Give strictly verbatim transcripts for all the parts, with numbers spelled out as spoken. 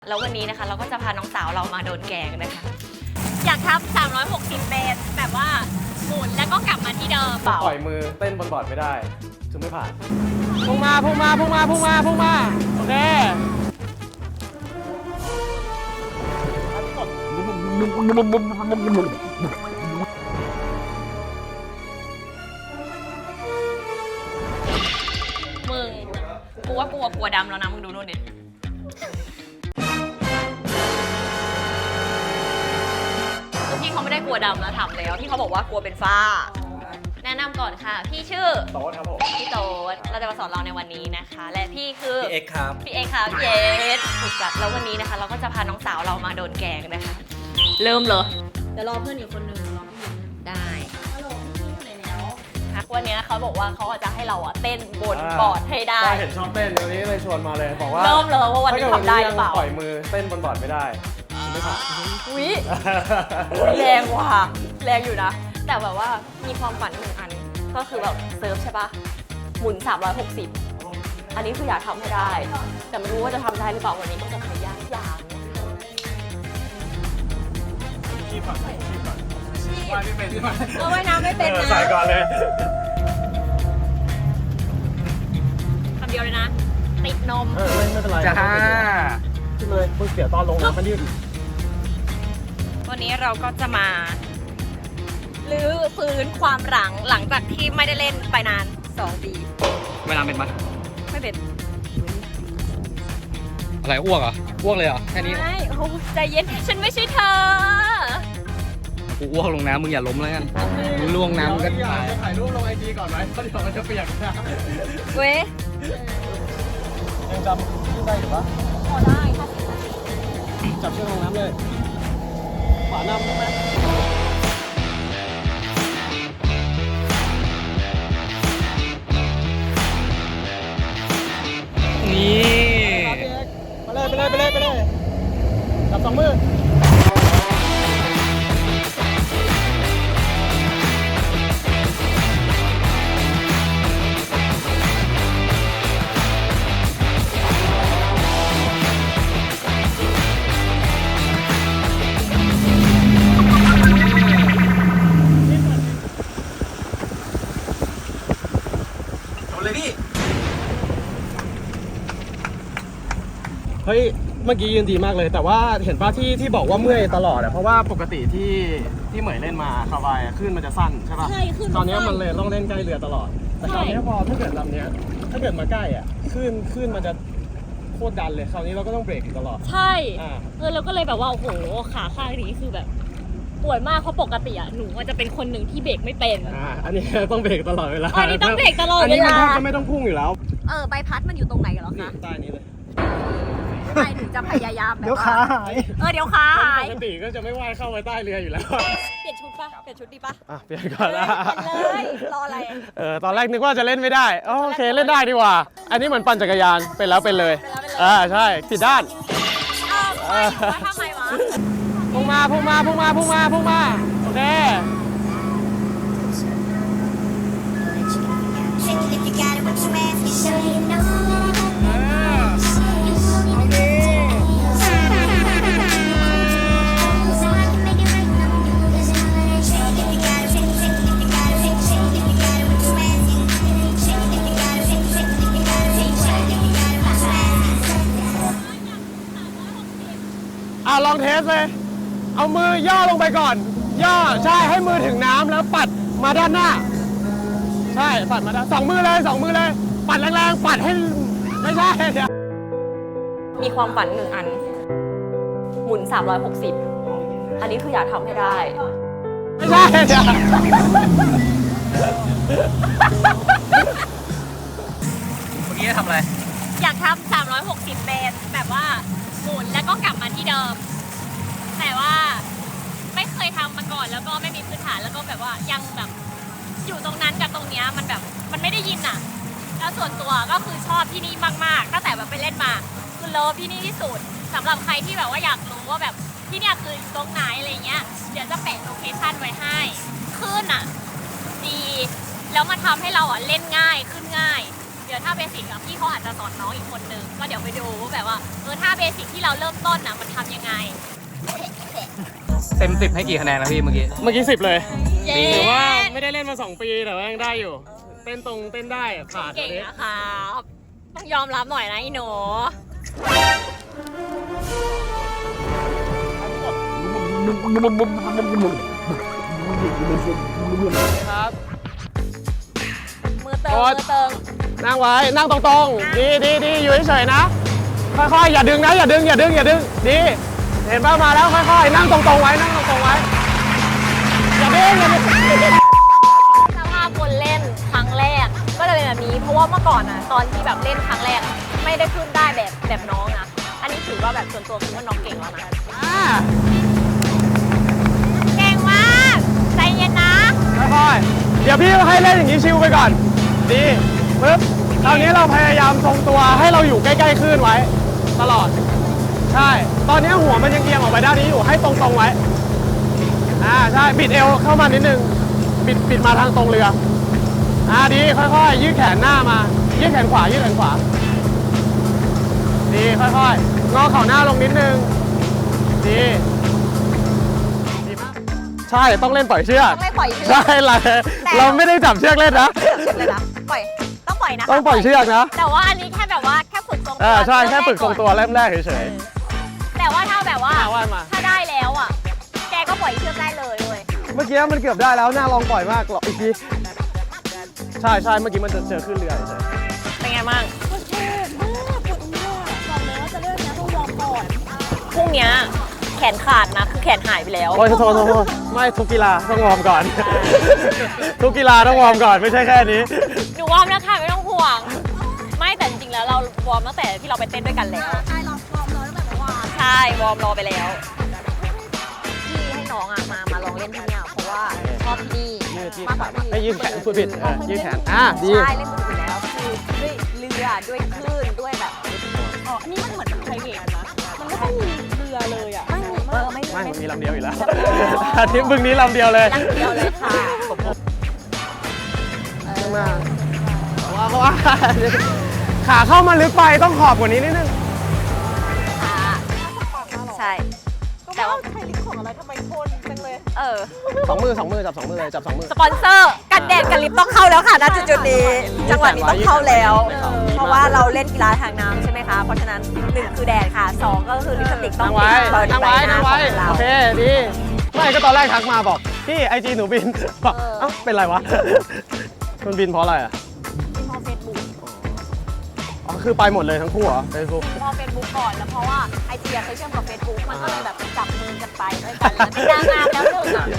แล้ววันนี้นะคะเราก็จะพาน้องสาวเรามาโดนแกงนะคะอยากทำสามร้อยหกสิบเมตรแบบว่าหมุนแล้วก็กลับมาที่เดิมปล่อยมือเต้นบนบอร์ดไม่ได้จึงไม่ผ่านพุ่งมาพุ่งมาพุ่งมาพุ่งมาพุ่งมาโอเคมึงกูว่ากลัวกลัวดำแล้วนะมึงดูนู่นดิพี่เขาไม่ได้กลัวดำแล้วถามแล้วที่เขาบอกว่ากลัวเป็นฝ้าแนะนำก่อนค่ะพี่ชื่อโต๊ดครับผมพี่โต๊ดเราจะมาสอนเราในวันนี้นะคะ และพี่คือพี่เอ็กครับพี่เอ็กค่ะพี่เอ็กถูกจัดแล้ววันนี้นะคะ เราก็จะพาน้องสาวเรามาโดนแกงนะคะ เริ่มเลยเดี๋ยวรอเพื่อนอีกคนนึงรอพี่ได้ฮัลโหลพี่อยู่ไหนแล้ววันนี้เขาบอกว่าเขาจะให้เราอะเต้นบนบอร์ดให้ได้เห็นชอบเต้นวันนี้เลยชวนมาเลยบอกว่าเริ่มเลยว่าวันนี้ทำได้หรือเปล่าปล่อยมือเต้นบนบอร์ดไม่ได้จึงไม่ผ่านอุ้ยแรงว่ะแรงอยู่นะ แต่แบบว่ามีความฝันหนึ่งอันก็คือแบบเซิร์ฟใช่ปะหมุนสามร้อยหกสิบอันนี้คืออยากทำให้ได้ แต่ไม่รู้ว่าจะทำได้หรือเปล่าวันนี้ก็จะพยายามอย่างชีพก่อนชีพก่อนว่ายไม่เป็นใช่ไหมเออว่ายน้ำไม่เป็นนะใส่ก่อนเลยคำเดียวเลยนะ ติดนมเออไม่เป็นไรจ้าขึ้นเลยมึงเสียตอนลงน้ำมันยืดวันนี้เราก็จะมาลื้อฟื้นความหลังหลังจากที่ไม่ได้เล่นไปนานสองปีเวลาเป็นปะไม่เป็นอะไรอ้วกเหรออ้วกเลยเหรอแค่นี้ไม่โอ้ใจเย็นฉันไม่ใช่เธอกูอ้วกลงน้ำมึงอย่าล้มแล้วกันมึงล่วงน้ำมึงก็ตายถ่ายรูปลงไอจีก่อนไหมเพราะเดี๋ยวมันจะเปียกนะเว้ยยังจำขึ้นได้อยู่ปะพอได้ค่ะจับเชือกลงน้ำเลยขวานำได้ไหมนี่ไปเลยไปเลยไปเลยไปเลยจับสองมือเลยพี่เฮ้ยเมื่อกี้ยืนดีมากเลยแต่ว่าเห็นป่ะที่ที่บอกว่าเมื่อยตลอดอะเพราะว่าปกติที่ที่เหมยเล่นมาคาบายอะขึ้นมันจะสั้นใช่ป่ะใช่ขึ้นตอนนี้มันเลยต้องเล่นใกล้เรือตลอดแต่คราวนี้พอถ้าเกิดลำเนี้ยถ้าเกิดมาใกล้อ่ะขึ้นขึ้นมันจะโคตรดันเลยคราวนี้เราก็ต้องเบรกอยู่ตลอดใช่อ่าเออเราก็เลยแบบว่าโอ้โหขาข้างนี้คือแบบปวดมากเพราะปกติอ่ะหนูว่าจะเป็นคนหนึ่งที่เบรกไม่เป็นอ่าอันนี้ต้องเบรกตลอดเวลาอันนี้ต้องเบรกตลอดอันเวนี้มันลาแทบจะไม่ต้องพุ่งอยู่แล้วเออใบพัดมันอยู่ตรงไหนกันหรอนี่คะใต้นี้เลยไม่หนูจะพยายามแบบเดี๋ยวว่าขาหายเออเดี๋ยวขาหายปกติก็จะไม่ว่ายเข้าไปใต้เรืออยู่แล้วเปลี่ยนชุดปะเปลี่ยนชุดดีปะอ่ะเปลี่ยนก่อนละเลยรออะไรเออตอนแรกนึกว่าจะเล่นไม่ได้โอเคเล่นได้ดีกว่า อันนี้เหมือนปั่นจักรยานเป็นแล้วเป็นเลยอ่าใช่ผิดด้านอ้าวไม่ว่าทำไมวะพุ่งมาพุ่งมาพุ่งมาพุ่งมาพุ่งมาโอเค If you got it, what you ask, you sure you know. โอเค So I can make it right now. Cause you know that I shake. If you got it, shake, shake. If you got it, shake, shake. If you got it, what you ask, you shake. If you got it, shake, shake. If you got it, shake, shake. If you got it, what you ask. อ่ะลองเทสเลย เอามือย่อลงไปก่อน ย่อใช่ให้มือถึงน้ำแล้วปัดมาด้านหน้า ใช่ปัดมาด้านสองมือเลยสองมือเลย ปัดแรงๆปัดให้ไม่ใช่เดี๋ยวมีความฝันหนึ่งอัน หมุนสามร้อยหกสิบอันนี้คืออยากทำให้ได้ไม่ใช่เดี๋ยว เมื่อกี้ทำอะไรอยากทำสามร้อยหกสิบเมตรแบบว่าหมุนแล้วก็กลับมาที่เดิม แต่ว่าไม่เคยทำมาก่อนแล้วก็ไม่มีพื้นฐานแล้วก็แบบว่ายังแบบอยู่ตรงนั้นกับตรงเนี้ยมันแบบมันไม่ได้ยินอ่ะ แล้วส่วนตัวก็คือชอบที่นี่มากๆตั้งแต่แบบไปเล่นมาคือเลิฟที่นี่ที่สุดสำหรับใครที่แบบว่าอยากรู้ว่าแบบที่เนี่ยคือตรงไหนอะไรเงี้ยเดี๋ยวจะแปะโลเคชั่นไว้ให้ขึ้นอ่ะดีแล้วมันทำให้เราอ่ะเล่นง่ายขึ้นง่ายดี๋ยวท่าเบสิกอะพี่เขาอาจจะสอนน้องอีกคนนึงก็เดี๋ยวไปดูว่าแบบว่าเออท่าเบสิกที่เราเริ่มต้นอะมันทำยังไงเต็มสิบให้กี่คะแนนนะพี่เมื่อกี้เมื่อกี้สิบเลยเย้ถือว่าไม่ได้เล่นมาสองปีแต่ว่ายังได้อยู่ เต้นตรงเต้นได้อะผ่านเก่งอันนี้นะครับต้องยอมรับหน่อยนะอีหนูครับมือเติงโอ๊ยมือเติงนั่งไว้ นั่งตรงๆ ดีดีดีอยู่เฉยๆนะ ค่อยๆ อย่าดึงนะ อย่าดึง อย่าดึง อย่าดึง ดี เห็นป่ะมาแล้ว ค่อยๆ นั่งตรงๆ ไว้ นั่งตรงๆ ไว้ อย่าดึง อย่าดึงสภาพคนเล่นครั้งแรกก็จะเป็นแบบนี้เพราะว่าเมื่อก่อนอะตอนที่แบบเล่นครั้งแรกอะไม่ได้ขึ้นได้แบบแบบน้องนะอันนี้ถือว่าแบบส่วนตัวคือว่าน้องเก่งแล้วนะอ่าเก่งมากใจเย็นนะค่อยๆ เดี๋ยวพี่ให้เล่นอย่างนี้ชิวไปก่อน ดีปึ๊บคราวนี้เราพยายามทรงตัวให้เราอยู่ใกล้ๆคลื่นไว้ ตลอด ใช่ ตอนนี้หัวมันยังเอียงออกไปด้านนี้อยู่ให้ตรงๆไว้ อ่าใช่ บิดเอวเข้ามานิดนึง บิดบิดมาทางตรงเรือ อ่าดีค่อยๆ ยืดแขนหน้ามา ยืดแขนขวา ยืดแขนขวา ดีค่อยๆ งอเข่าหน้าลงนิดนึง ดีดีมากใช่ ต้องเล่นปล่อยเชือกต้องไม่ปล่อยเชือกใช่เราเราไม่ได้จับเชือกเล่นนะเชือกเลยนะปล่อยต้องปล่อยนะต้องปล่อยเชือกนะแต่ว่าอันนี้แค่แบบว่าแค่ฝึกทรงตัวอ่าใช่ แค่ฝึกทรงตัวเริ่มแรกเฉยแต่ว่าถ้าแบบว่าอ่าว่ามาถ้าได้แล้วอ่ะแกก็ปล่อยเชือกได้เลยเว้ยๆ เมื่อกี้มันเกือบได้แล้ว หน้าลองปล่อยมากหรอกอีกที ใช่ใช่เมื่อกี้มันจะเจอขึ้นเรือเฉยเป็นไงบ้างพรุ่งเนี้ยแขนขาดนะคือแขนหายไปแล้วโอ้ยโทษโทษโทษไม่ทุกกีฬาต้องวอร์มก่อน ทุกกีฬาต้องวอร์มก่อนไม่ใช่แค่นี้หนูวอร์มแล้วค่ะไม่ต้องห่วง ไม่แต่จริงๆแล้วเราวอร์มตั้งแต่ที่เราไปเต้นด้วยกันแล้ว ใช่เราวอร์มรอตั้งแต่เมื่อวานใช่วอร์มรอไปแล้วพี่ให้น้องอ่ะมามาลองเล่นที่เนี่ยเพราะว่าชอบที่นี่ยืดยืดมากกขาว่าที่ให้ยืดแขนพูดผิดเออยืดแขนอ่ะดีใช่เล่นสนุกอยู่แล้วคือด้วยเรือด้วยคลื่นด้วยแบบอ๋ออันนี้มันเหมือนไพรเวทนะมันไม่ต้องมีเรือเลยอ่ะไม่มีเออไม่ไม่มันมีลำเดียวอยู่แล้วลำเดียวอาทิตย์บึงนี้ลำเดียวเลยลำเดียวเลยค่ะเออมาว่าเพราะว่าขาเข้ามาลึกไปต้องขอบกว่านี้นิดนึงค่ะใช่แต่ว่าไทยลิขของอะไรทำไมทนจังเลยเออสองมือสองมือจับสองมือเลยจับสองมือสปอนเซอร์กันแดดกันลิฟต์ต้องเข้าแล้วค่ะณจุดๆนี้จังหวะนี้ต้องเข้าแล้ว เพราะว่าเราเล่นกีฬาทางน้ำใช่ไหมคะ เพราะฉะนั้นหนึ่งคือแดดค่ะสองก็คือลิปสติกต้องนั่งไว้ติดบอดี้นั่งใบไว้หน้านั่งขไว้องเราโอเคดีไม่ก็ตอนแรกทักมาบอกพี่ไอจีหนูบินบอกเออเอ้าเป็นไรวะมันบินเพราะอะไรอ่ะที่พอเฟซบุ๊กอ๋อคือไปหมดเลยทั้งคู่เหรอเฟซบุ๊กพอเฟซบุ๊กก่อนแล้วเพราะว่าไอจีเคยเชื่อมกับเฟซบุ๊กมันก็เลยแบบจับมือกันไปด้วยกันแล้วเป็นนางงามแล้วหนึ่งอ่ะ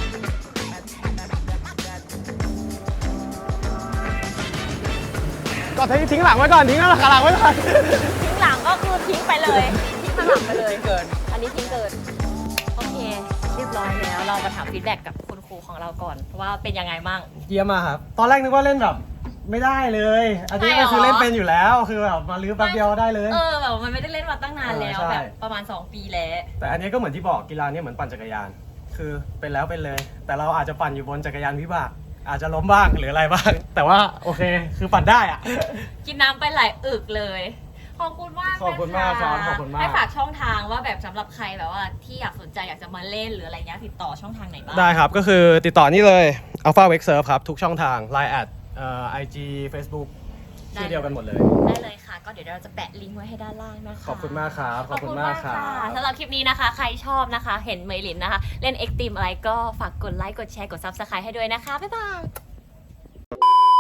ก็ทิ้งทิ้งหลังไว้ก่อนทิ้งหลังหลังไว้ก่อนทิ้งหลังก็คือทิ้งไปเลยทิ้งข้างหลังไปเลยเกินอันนี้ทิ้งเกินโอเคเรียบร้อยแล้วเรามาถามฟีดแบ็กกับคุณครูของเราก่อนว่าเป็นยังไงบ้างเยี่ยมมากครับตอนแรกนึกว่าเล่นแบบไม่ได้เลยอันนี้ก็คือเล่นเป็นอยู่แล้วคือแบบมาลื้อแป๊บเดียวได้เลยเออแบบมันไม่ได้เล่นมาตั้งนานแล้วเออใช่แบบประมาณสองปีแล้วแต่อันนี้ก็เหมือนที่บอกกีฬาเนี่ยเหมือนปั่นจักรยาน คือเป็นแล้วเป็นเลย แต่เราอาจจะปั่นอยู่บนจักรยานวิบากอาจจะล้มบ้างหรืออะไรบ้าง แต่ว่าโอเคคือปั่นได้อะกินน้ำไปหลายอึกเลย ขอบคุณมากขอบคุณมากครับขอบคุณมากให้ฝากช่องทางว่าแบบสำหรับใครแบบว่าที่อยากสนใจอยากจะมาเล่นหรืออะไรเงี้ยติดต่อช่องทางไหนบ้างได้ครับ ก็คือติดต่อนี่เลย Alpha Wake Surf ครับ ทุกช่องทาง ไลน์ แอดเอ่อ ไอ จี Facebook ชื่อเดียวกันหมดเลยได้เลยค่ะ ก็เดี๋ยวเราจะแปะลิงก์ไว้ให้ด้านล่างนะคะขอบคุณมากครับ ขอบคุณมากครับะสำหรับคลิปนี้นะคะ ใครชอบนะคะ เห็นเมลินนะคะ เล่นเอ็กซ์ตรีมอะไรก็ฝากกดไลค์กดแชร์กด ซับสไครบ์ ให้ด้วยนะคะบ๊ายบาย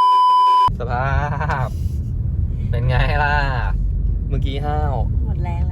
สภาพ เป็นไงล่ะ เมื่อกี้ห้าวหมดแรงแล้ว